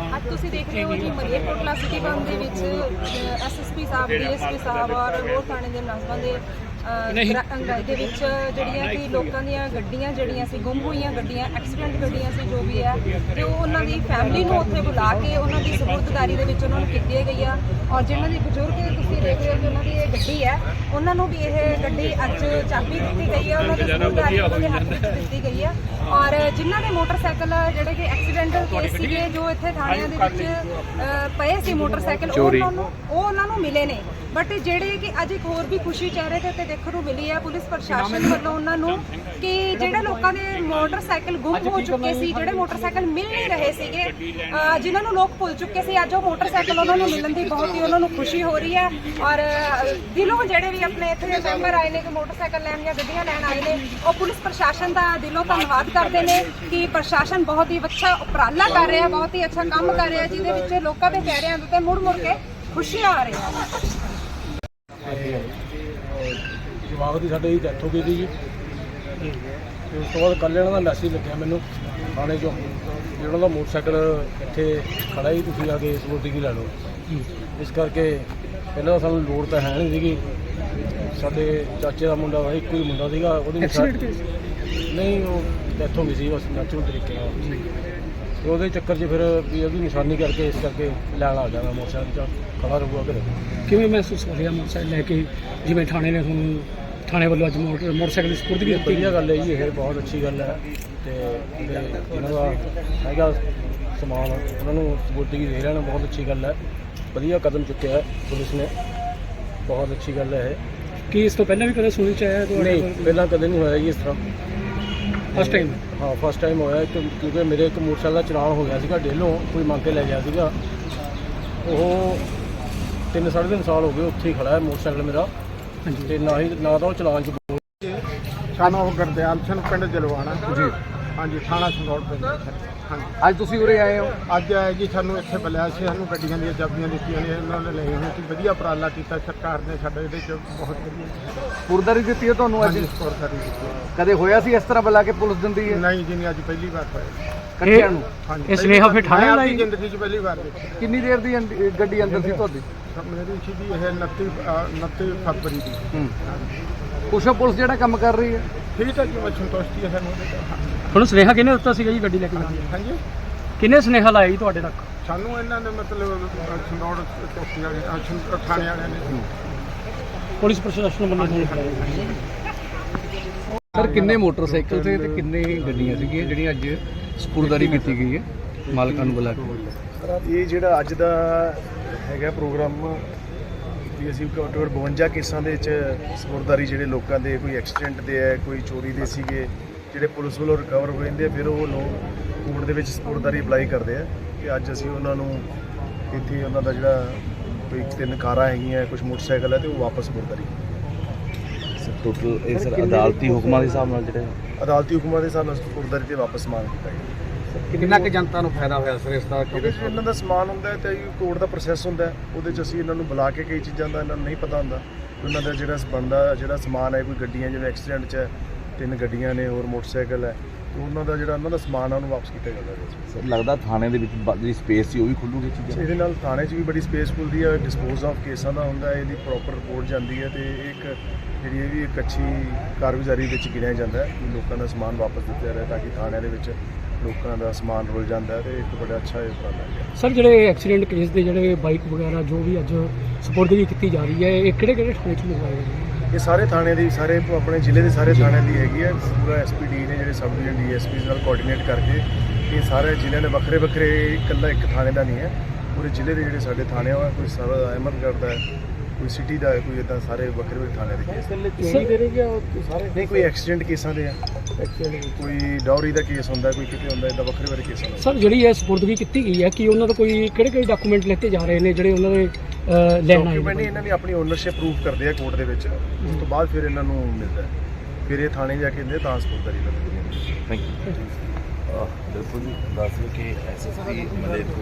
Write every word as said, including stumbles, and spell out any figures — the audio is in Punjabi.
ਅੱਜ ਤੁਸੀਂ ਦੇਖ ਰਹੇ ਹੋ ਜੀ ਮਲੇਰਕੋਟਲਾ ਸਿਟੀ ਬੰਦ ਦੇ ਵਿੱਚ ਐਸਐਸਪੀ ਸਾਹਿਬ, ਡੀਐਸਪੀ ਸਾਹਿਬ ਔਰ ਹੋਰ ਥਾਣੇ ਦੇ ਮੁਲਾਜ਼ਮਾਂ ਦੇ ਅੰਗਾਈ ਦੇ ਵਿੱਚ ਜਿਹੜੀਆਂ ਕਿ ਲੋਕਾਂ ਦੀਆਂ ਗੱਡੀਆਂ ਜਿਹੜੀਆਂ ਸੀ, ਗੁੰਮ ਹੋਈਆਂ ਗੱਡੀਆਂ, ਐਕਸੀਡੈਂਟ ਗੱਡੀਆਂ ਸੀ, ਜੋ ਵੀ ਹੈ, ਤੇ ਉਹ ਉਹਨਾਂ ਦੀ ਫੈਮਿਲੀ ਨੂੰ ਉੱਥੇ ਬੁਲਾ ਕੇ ਉਹਨਾਂ ਦੀ ਸਪੁਰਦਦਾਰੀ ਦੇ ਵਿੱਚ ਉਹਨਾਂ ਨੂੰ ਕੀਤੀ ਗਈ ਆ। ਔਰ ਜਿਨ੍ਹਾਂ ਦੀ ਬਜ਼ੁਰਗ ਤੁਸੀਂ ਦੇਖ ਰਹੇ ਹੋ ਕਿ ਉਹਨਾਂ ਦੀ ਇਹ ਗੱਡੀ ਹੈ, ਉਹਨਾਂ ਨੂੰ ਵੀ ਇਹ ਗੱਡੀ ਅੱਜ ਚਾਬੀ ਦਿੱਤੀ ਗਈ ਹੈ, ਉਹਨਾਂ ਦੀ ਸਪੁਰਦਦਾਰੀ ਉਹਨਾਂ ਦੇ ਹੱਥ ਵਿੱਚ ਦਿੱਤੀ ਗਈ ਹੈ। ਔਰ ਜਿਨ੍ਹਾਂ ਦੇ ਮੋਟਰਸਾਈਕਲ ਜਿਹੜੇ ਕਿ ਐਕਸੀਡੈਂਟਲ ਕੇਸ ਸੀਗੇ, ਜੋ ਇੱਥੇ ਥਾਣਿਆਂ ਦੇ ਵਿੱਚ ਪਏ ਸੀ ਮੋਟਰਸਾਈਕਲ, ਉਹ ਉਹਨਾਂ ਨੂੰ ਉਹ ਉਹਨਾਂ ਨੂੰ ਮਿਲੇ ਨੇ। ਬਟ ਜਿਹੜੇ ਕਿ ਅੱਜ ਇੱਕ ਹੋਰ ਵੀ ਖੁਸ਼ੀ ਚਿਹਰੇ ਤੇ ਉੱਤੇ ਦੇਖਣ ਨੂੰ ਮਿਲੀ ਹੈ ਪੁਲਿਸ ਪ੍ਰਸ਼ਾਸਨ ਵੱਲੋਂ ਉਹਨਾਂ ਨੂੰ, ਕਿ ਜਿਹੜੇ ਲੋਕਾਂ ਦੇ ਮੋਟਰਸਾਈਕਲ ਗੁੰਮ ਹੋ ਚੁੱਕੇ ਸੀ, ਜਿਹੜੇ ਮੋਟਰਸਾਈਕਲ ਮਿਲ ਨਹੀਂ ਰਹੇ ਸੀਗੇ, ਜਿਨ੍ਹਾਂ ਨੂੰ ਲੋਕ ਭੁੱਲ ਚੁੱਕੇ ਸੀ, ਅੱਜ ਉਹ ਮੋਟਰਸਾਈਕਲ ਉਹਨਾਂ ਨੂੰ ਮਿਲਣ ਦੀ ਬਹੁਤ ਹੀ ਉਹਨਾਂ ਨੂੰ ਖੁਸ਼ੀ ਹੋ ਰਹੀ ਹੈ। ਔਰ ਦਿਲੋਂ ਜਿਹੜੇ ਵੀ ਆਪਣੇ ਇੱਥੇ ਮੈਂਬਰ ਆਏ ਨੇ ਕਿ ਮੋਟਰਸਾਈਕਲ ਲੈਣ ਜਾਂ ਗੱਡੀਆਂ ਲੈਣ ਆਏ ਨੇ, ਉਹ ਪੁਲਿਸ ਪ੍ਰਸ਼ਾਸਨ ਦਾ ਦਿਲੋਂ ਧੰਨਵਾਦ ਕਰਦੇ ਨੇ ਕਿ ਪ੍ਰਸ਼ਾਸਨ ਬਹੁਤ ਹੀ ਅੱਛਾ ਉਪਰਾਲਾ ਕਰ ਰਿਹਾ, ਬਹੁਤ ਹੀ ਅੱਛਾ ਕੰਮ ਕਰ ਰਿਹਾ, ਜਿਹਦੇ ਵਿੱਚ ਲੋਕਾਂ ਦੇ ਚਿਹਰਿਆਂ ਦੇ ਉੱਤੇ ਮੁੜ ਮੁੜ ਕੇ ਖੁਸ਼ੀਆਂ ਆ ਰਹੀਆਂ ਨੇ। ਜਵਾਬ ਦੀ ਸਾਡੇ ਡੈਥ ਹੋ ਗਈ ਸੀ ਜੀ, ਤੇ ਉਸ ਤੋਂ ਬਾਅਦ ਕੱਲ੍ਹ ਇਹਨਾਂ ਦਾ ਮੈਸੇਜ ਲੱਗਿਆ ਮੈਨੂੰ ਥਾਣੇ 'ਚੋਂ, ਜਿਹੜਾ ਦਾ ਮੋਟਰਸਾਈਕਲ ਇੱਥੇ ਖੜਾ ਹੀ, ਤੁਸੀਂ ਆ ਕੇ ਸਪੋਰਟਿੰਗ ਲੈ ਲਓ। ਇਸ ਕਰਕੇ ਪਹਿਲਾਂ ਸਾਨੂੰ ਲੋੜ ਤਾਂ ਹੈ ਨਹੀਂ ਸੀਗੀ। ਸਾਡੇ ਚਾਚੇ ਦਾ ਮੁੰਡਾ ਵਾ, ਇੱਕੋ ਹੀ ਮੁੰਡਾ ਸੀਗਾ, ਉਹਦੀ ਨਹੀਂ ਉਹ ਡੈਥ ਹੋ ਗਈ ਸੀ ਬਸ ਨੈਚੁਰਲ ਤਰੀਕੇ ਨਾਲ, ਅਤੇ ਉਹਦੇ ਚੱਕਰ 'ਚ ਫਿਰ ਵੀ ਉਹਦੀ ਨਿਸ਼ਾਨੀ ਕਰਕੇ ਇਸ ਕਰਕੇ ਲੈਣ ਆ ਜਾਣਾ ਮੋਟਰਸਾਈਕਲ 'ਚ ਖੜਾ ਰਹੂਗਾ ਘਰੇ। ਕਿਵੇਂ ਮਹਿਸੂਸ ਕਰ ਰਿਹਾ ਮੋਟਰਸਾਈਕਲ ਲੈ ਕੇ, ਜਿਵੇਂ ਥਾਣੇ ਨੇ ਤੁਹਾਨੂੰ ਥਾਣੇ ਵੱਲੋਂ ਅੱਜ ਮੋਟਰ ਮੋਟਰਸਾਈਕਲ ਦੀ ਸਪੁਰਦਗੀ ਕੀਤੀ? ਵਧੀਆ ਗੱਲ ਹੈ ਜੀ, ਇਹ ਬਹੁਤ ਅੱਛੀ ਗੱਲ ਹੈ, ਅਤੇ ਇਹਨਾਂ ਦਾ ਹੈਗਾ ਸਮਾਨ ਉਹਨਾਂ ਨੂੰ ਸਪੁਰਦਗੀ ਦੇ ਰਹਿਣਾ ਬਹੁਤ ਅੱਛੀ ਗੱਲ ਹੈ। ਵਧੀਆ ਕਦਮ ਚੁੱਕਿਆ ਪੁਲਿਸ ਨੇ, ਬਹੁਤ ਅੱਛੀ ਗੱਲ ਹੈ ਇਹ। ਕੀ ਇਸ ਤੋਂ ਪਹਿਲਾਂ ਵੀ ਕਦੇ ਸੁਣੀ ਚ ਆਇਆ ਤੁਹਾਡੇ? ਨਹੀਂ, ਪਹਿਲਾਂ ਕਦੇ ਨਹੀਂ ਹੋਇਆ ਜੀ ਇਸ ਤਰ੍ਹਾਂ, ਫਸਟ ਟਾਈਮ? ਹਾਂ ਫਸਟ ਟਾਈਮ ਹੋਇਆ, ਕਿਉਂਕਿ ਮੇਰੇ ਇੱਕ ਮੋਟਰਸਾਈਕਲ ਦਾ ਚਲਾਨ ਹੋ ਗਿਆ ਸੀਗਾ ਡੇਲੋਂ, ਕੋਈ ਮੰਗ ਕੇ ਲੈ ਗਿਆ ਸੀਗਾ, ਉਹ ਤਿੰਨ ਸਾਢੇ ਤਿੰਨ ਸਾਲ ਹੋ ਗਏ ਉੱਥੇ ਹੀ ਖੜਾ ਹੈ ਮੋਟਰਸਾਈਕਲ ਮੇਰਾ, ਅਤੇ ਨਾ ਹੀ ਨਾ ਤਾਂ ਉਹ ਚਲਾਨ 'ਚ ਬੋਲ। ਸਾਨੂੰ ਗੁਰਦਿਆਲ ਸਿੰਘ ਪਿੰਡ ਜਲਵਾਣਾ ਜੀ, ਹਾਂਜੀ ਥਾਣਾ ਸੰਗਰੂਰ ਪਿੰਡ। ਹਾਂਜੀ, ਅੱਜ ਤੁਸੀਂ ਉਰੇ ਆਏ ਹੋ? ਅੱਜ ਆਏ ਜੀ, ਸਾਨੂੰ ਇੱਥੇ ਬੁਲਾਇਆ ਸੀ, ਸਾਨੂੰ ਗੱਡੀਆਂ ਦੀਆਂ ਚਾਬੀਆਂ ਦਿੱਤੀਆਂ ਨੇ, ਇਹਨਾਂ ਨੇ ਲਏ ਹੋਏ ਸੀ। ਵਧੀਆ ਉਪਰਾਲਾ ਕੀਤਾ ਸਰਕਾਰ ਨੇ ਸਾਡਾ, ਇਹਦੇ 'ਚ ਬਹੁਤ ਵਧੀਆ ਸਪੁਰਦਗੀ ਦਿੱਤੀ ਹੈ ਤੁਹਾਨੂੰ ਅੱਜ? ਸਪੁਰਦਗੀ ਦਿੱਤੀ। ਕਦੇ ਹੋਇਆ ਸੀ ਇਸ ਤਰ੍ਹਾਂ ਬੁਲਾ ਕੇ ਪੁਲਿਸ ਦਿੰਦੀ ਹੈ? ਨਹੀਂ ਜੀ, ਨਹੀਂ, ਅੱਜ ਪਹਿਲੀ ਵਾਰ ਹੋਇਆ ਕੱਟਿਆਂ ਨੂੰ। ਹਾਂਜੀ, ਇਹ ਸੁਨੇਹਾ ਫਿਰ ਥਾਣੇ ਮੈਂ ਲਾਈ? ਆਪਣੀ ਜ਼ਿੰਦਗੀ 'ਚ ਪਹਿਲੀ ਵਾਰ ਦੇਖਿਆ। ਕਿੰਨੀ ਦੇਰ ਦੀ ਅੰਦ- ਗੱਡੀ ਅੰਦਰ ਸੀ ਤੁਹਾਡੀ? ਮੇਰੀ ਸੀ ਜੀ ਇਹ ਉਨੱਤੀ ਉਨੱਤੀ ਫਰਵਰੀ ਦੀ। ਹੂੰ, ਕੁਛ ਪੁਲਿਸ ਜਿਹੜਾ ਕੰਮ ਕਰ ਰਹੀ ਹੈ ਠੀਕ ਹੈ ਜੀ, ਮੈਂ ਸੰਤੁਸ਼ਟੀ ਹੈ ਸਾਨੂੰ ਉਹਦੇ 'ਤੇ। ਤੁਹਾਨੂੰ ਸੁਨੇਹਾ ਕਿਹਨੇ ਦਿੱਤਾ ਸੀਗਾ ਜੀ ਗੱਡੀ ਲੈ ਕੇ ਜਾਣ ਦਾ? ਹਾਂਜੀ, ਕਿਹਨੇ ਸੁਨੇਹਾ ਲਾਇਆ ਜੀ ਤੁਹਾਡੇ ਤੱਕ? ਸਾਨੂੰ ਇਹਨਾਂ ਨੇ ਮਤਲਬ ਸੰਗਰੂਰ ਚੌਕੀ ਵਾਲੇ ਅਹ ਥਾਣੇ ਵਾਲਿਆਂ ਨੇ। ਪੁਲਿਸ ਪ੍ਰਸ਼ਾਸਨ ਵੱਲੋਂ ਸਰ ਕਿੰਨੇ ਮੋਟਰਸਾਈਕਲ ਤੇ ਤੇ ਕਿੰਨੇ ਗੱਡੀਆਂ ਸੀਗੀਆਂ ਜਿਹੜੀਆਂ ਅੱਜ ਸਪੁਰਦਗੀ ਕੀਤੀ ਗਈ ਹੈ ਮਾਲਕਾਂ ਨੂੰ ਬੁਲਾ ਕੇ? ਇਹ ਜਿਹੜਾ ਅੱਜ ਦਾ ਹੈਗਾ ਪ੍ਰੋਗਰਾਮ ਵੀ ਅਸੀਂ ਘੱਟੋ ਘੱਟ ਬਵੰਜਾ ਕੇਸਾਂ ਦੇ ਵਿੱਚ ਸਪੁਰਦਗੀ, ਜਿਹੜੇ ਲੋਕਾਂ ਦੇ ਕੋਈ ਐਕਸੀਡੈਂਟ ਦੇ ਹੈ, ਕੋਈ ਚੋਰੀ ਦੇ ਸੀਗੇ, ਜਿਹੜੇ ਪੁਲਿਸ ਵੱਲੋਂ ਰਿਕਵਰ ਹੋ ਜਾਂਦੇ ਆ, ਫਿਰ ਉਹ ਲੋਕ ਕੋਰਟ ਦੇ ਵਿੱਚ ਸਪੁਰਦਗੀ ਅਪਲਾਈ ਕਰਦੇ ਆ। ਕਿ ਅੱਜ ਅਸੀਂ ਉਹਨਾਂ ਨੂੰ ਇੱਥੇ ਉਹਨਾਂ ਦਾ ਜਿਹੜਾ ਕੋਈ ਤਿੰਨ ਕਾਰਾਂ ਹੈਗੀਆਂ, ਕੁਝ ਮੋਟਰਸਾਈਕਲ ਹੈ, ਤੇ ਉਹ ਵਾਪਸ ਸਪੁਰਦਗੀ ਟੋਟਲ ਇਹ ਸਰ ਅਦਾਲਤੀ ਹੁਕਮਾਂ ਦੇ ਹਿਸਾਬ ਨਾਲ ਜਿਹੜੇ ਅਦਾਲਤੀ ਹੁਕਮਾਂ ਦੇ ਹਿਸਾਬ ਨਾਲ ਸਪੁਰਦਗੀ ਤੇ ਵਾਪਸ ਸਮਾਨ ਕੀਤਾ ਗਿਆ। ਕਿੰਨਾ ਕੁ ਜਨਤਾ ਨੂੰ ਫਾਇਦਾ ਹੋਇਆ ਸਰ ਇਸ ਦਾ? ਇਹਦੇ 'ਚ ਇਹਨਾਂ ਦਾ ਸਮਾਨ ਹੁੰਦਾ ਹੈ ਤੇ ਕੋਰਟ ਦਾ ਪ੍ਰੋਸੈਸ ਹੁੰਦਾ ਹੈ, ਉਹਦੇ 'ਚ ਅਸੀਂ ਇਹਨਾਂ ਨੂੰ ਬੁਲਾ ਕੇ ਕਈ ਚੀਜ਼ਾਂ ਦਾ ਇਹਨਾਂ ਨੂੰ ਨਹੀਂ ਪਤਾ ਹੁੰਦਾ, ਉਹਨਾਂ ਦਾ ਜਿਹੜਾ ਬਣਦਾ ਜਿਹੜਾ ਸਮਾਨ ਹੈ, ਕੋਈ ਗੱਡੀਆਂ ਜਿਵੇਂ ਐਕਸੀਡੈਂਟ 'ਚ ਹੈ, ਤਿੰਨ ਗੱਡੀਆਂ ਨੇ ਹੋਰ ਮੋਟਰਸਾਈਕਲ ਹੈ, ਉਹਨਾਂ ਦਾ ਜਿਹੜਾ ਉਹਨਾਂ ਦਾ ਸਮਾਨ ਆ ਉਹਨੂੰ ਵਾਪਸ ਕੀਤਾ ਜਾਂਦਾ ਹੈ। ਸਰ ਲੱਗਦਾ ਥਾਣੇ ਦੇ ਵਿੱਚ ਜਿਹੜੀ ਸਪੇਸ ਸੀ ਉਹ ਵੀ ਖੁੱਲੂਗੀ ਚੀਜ਼ਾਂ? ਇਹਦੇ ਨਾਲ ਥਾਣੇ 'ਚ ਵੀ ਬੜੀ ਸਪੇਸ ਖੁੱਲਦੀ ਹੈ, ਡਿਸਪੋਜ਼ ਆਫ ਕੇਸਾਂ ਦਾ ਹੁੰਦਾ ਹੈ, ਇਹਦੀ ਪ੍ਰੋਪਰ ਰਿਪੋਰਟ ਜਾਂਦੀ ਹੈ, ਤੇ ਇੱਕ ਜਿਹੜੀ ਇਹ ਵੀ ਇੱਕ ਅੱਛੀ ਕਾਰਗੁਜ਼ਾਰੀ ਵਿੱਚ ਗਿਣਿਆ ਜਾਂਦਾ ਹੈ ਕਿ ਲੋਕਾਂ ਦਾ ਸਮਾਨ ਵਾਪਸ ਦਿੱਤਾ ਜਾ ਰਿਹਾ, ਤਾਂ ਕਿ ਥਾਣਿਆਂ ਦੇ ਵਿੱਚ ਲੋਕਾਂ ਦਾ ਸਮਾਨ ਰੁਲ ਜਾਂਦਾ ਹੈ, ਤੇ ਇੱਕ ਬੜਾ ਅੱਛਾ ਇਹ ਉਪਰਾਲਾ ਹੈ। ਸਰ ਜਿਹੜੇ ਐਕਸੀਡੈਂਟ ਕੇਸ ਦੇ ਜਿਹੜੇ ਬਾਈਕ ਵਗੈਰਾ ਜੋ ਵੀ ਅੱਜ ਸਪੁਰਦਗੀ ਕੀਤੀ ਜਾ ਰਹੀ ਹੈ, ਇਹ ਕਿਹੜੇ ਕਿਹੜੇ ਥਾਣੇ 'ਚ ਮੰਗਵਾਏ ਗਏ? ਇਹ ਸਾਰੇ ਥਾਣੇ ਦੀ, ਸਾਰੇ ਆਪਣੇ ਜ਼ਿਲ੍ਹੇ ਦੇ ਸਾਰੇ ਥਾਣਿਆਂ ਦੀ ਹੈਗੀ ਹੈ। ਪੂਰਾ ਐਸ ਪੀ ਡੀ ਨੇ ਜਿਹੜੇ sub division D S Ps ਨਾਲ ਕੋਆਰਡੀਨੇਟ ਕਰਕੇ ਇਹ ਸਾਰੇ ਜ਼ਿਲ੍ਹਿਆਂ ਦੇ ਵੱਖਰੇ ਵੱਖਰੇ, ਇਕੱਲਾ ਇੱਕ ਥਾਣੇ ਦਾ ਨਹੀਂ ਹੈ, ਪੂਰੇ ਜ਼ਿਲ੍ਹੇ ਦੇ ਜਿਹੜੇ ਸਾਡੇ ਥਾਣੇ ਆ, ਕੋਈ ਸਾਰਾ ਅਹਿਮਦਗੜ੍ਹ ਦਾ ਹੈ, ਕੋਈ ਸਿਟੀ ਦਾ ਹੈ, ਕੋਈ ਇੱਦਾਂ ਸਾਰੇ ਵੱਖਰੇ ਵੱਖਰੇ ਥਾਣੇ ਦੇ ਕੇਸ ਸਾਰੇ ਨਹੀਂ, ਕੋਈ ਐਕਸੀਡੈਂਟ ਕੇਸਾਂ ਦੇ ਆ, ਕੋਈ ਡਾਊਰੀ ਦਾ ਕੇਸ ਹੁੰਦਾ, ਕੋਈ ਕਿਤੇ ਹੁੰਦਾ, ਇੱਦਾਂ ਵੱਖਰੇ ਵੱਖਰੇ ਕੇਸ ਹੁੰਦੇ। ਸਰ ਜਿਹੜੀ ਇਹ ਸਪੁਰਦਗੀ ਕੀਤੀ ਗਈ ਹੈ ਕਿ ਉਹਨਾਂ ਦਾ ਕੋਈ ਕਿਹੜੇ ਕਿਹੜੇ ਡਾਕੂਮੈਂਟ ਲੈਤੇ ਜਾ ਰਹੇ ਨੇ ਜਿਹੜੇ ਉਹਨਾਂ ਦੇ ਲੈਣ ਆਏ? ਡਾਕੂਮੈਂਟ ਇਹਨਾਂ ਨੇ ਆਪਣੀ ਓਨਰਸ਼ਿਪ ਪ੍ਰੂਫ ਕਰਦੇ ਆ ਕੋਰਟ ਦੇ ਵਿੱਚ, ਉਸ ਤੋਂ ਬਾਅਦ ਫਿਰ ਇਹਨਾਂ ਨੂੰ ਮਿਲਦਾ ਹੈ, ਫਿਰ ਇਹ ਥਾਣੇ ਜਾ ਕੇ ਦਿੰਦੇ ਤਾਂ ਸਪੁਰਦਗੀ ਲੱਗਦੀ ਹੈ। Thank you. ਬਿਲਕੁਲ ਦੱਸ ਦਿਓ ਕਿ ਐਸ ਐਸ ਪੀ ਮਲੇਰਕੋਟਲਾ